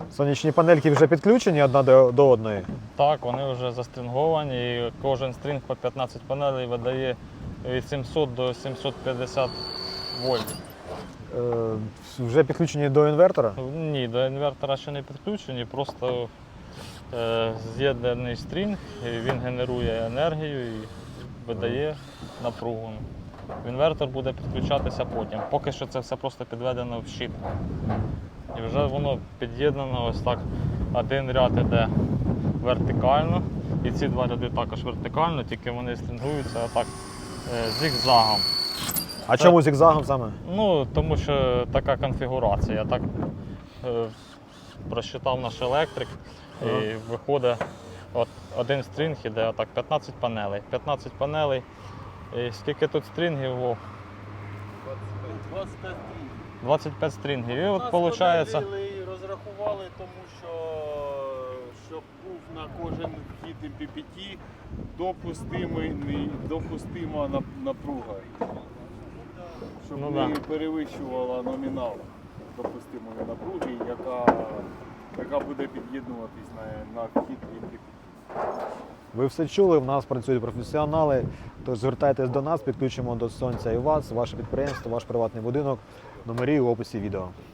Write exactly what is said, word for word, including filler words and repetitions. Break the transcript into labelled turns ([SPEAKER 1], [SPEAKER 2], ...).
[SPEAKER 1] Сонячні панельки вже підключені одна до, до одної?
[SPEAKER 2] Так, вони вже застринговані, і кожен стрінг по п'ятнадцять панелей видає від сімсот до сімсот п'ятдесят вольт.
[SPEAKER 1] Е, вже підключені до інвертора?
[SPEAKER 2] Ні, до інвертора ще не підключені, просто е, з'єднаний стрінг, і він генерує енергію і видає напругу. Інвертор буде підключатися потім. Поки що це все просто підведено в щит. І вже воно під'єднано ось так. Один ряд іде вертикально, і ці два ряди також вертикально, тільки вони стрінгуються отак е, зігзагом.
[SPEAKER 1] А чому зігзагом саме?
[SPEAKER 2] Ну, тому що така конфігурація. Так е, просчитав наш електрик, і
[SPEAKER 1] Ага.
[SPEAKER 2] виходить от один стрінг іде отак п'ятнадцять панелей. п'ятнадцять панелей. І скільки тут стрінгів? О,
[SPEAKER 3] двадцять п'ять.
[SPEAKER 2] двадцять п'ять стрінгів. І от
[SPEAKER 3] Нас
[SPEAKER 2] виходить.
[SPEAKER 3] поділили і розрахували, тому що щоб був на кожен вхід ем пі пі ті допустимий, допустима нап- напруга. Щоб
[SPEAKER 2] Ну,
[SPEAKER 3] не
[SPEAKER 2] да.
[SPEAKER 3] перевищувала номінал допустимої напруги, яка, яка буде під'єднуватись на, на вхід ем пі пі ті.
[SPEAKER 1] Ви все чули, в нас працюють професіонали, тож звертайтесь до нас, підключимо до сонця і вас, ваше підприємство, ваш приватний будинок. Номери в описі відео.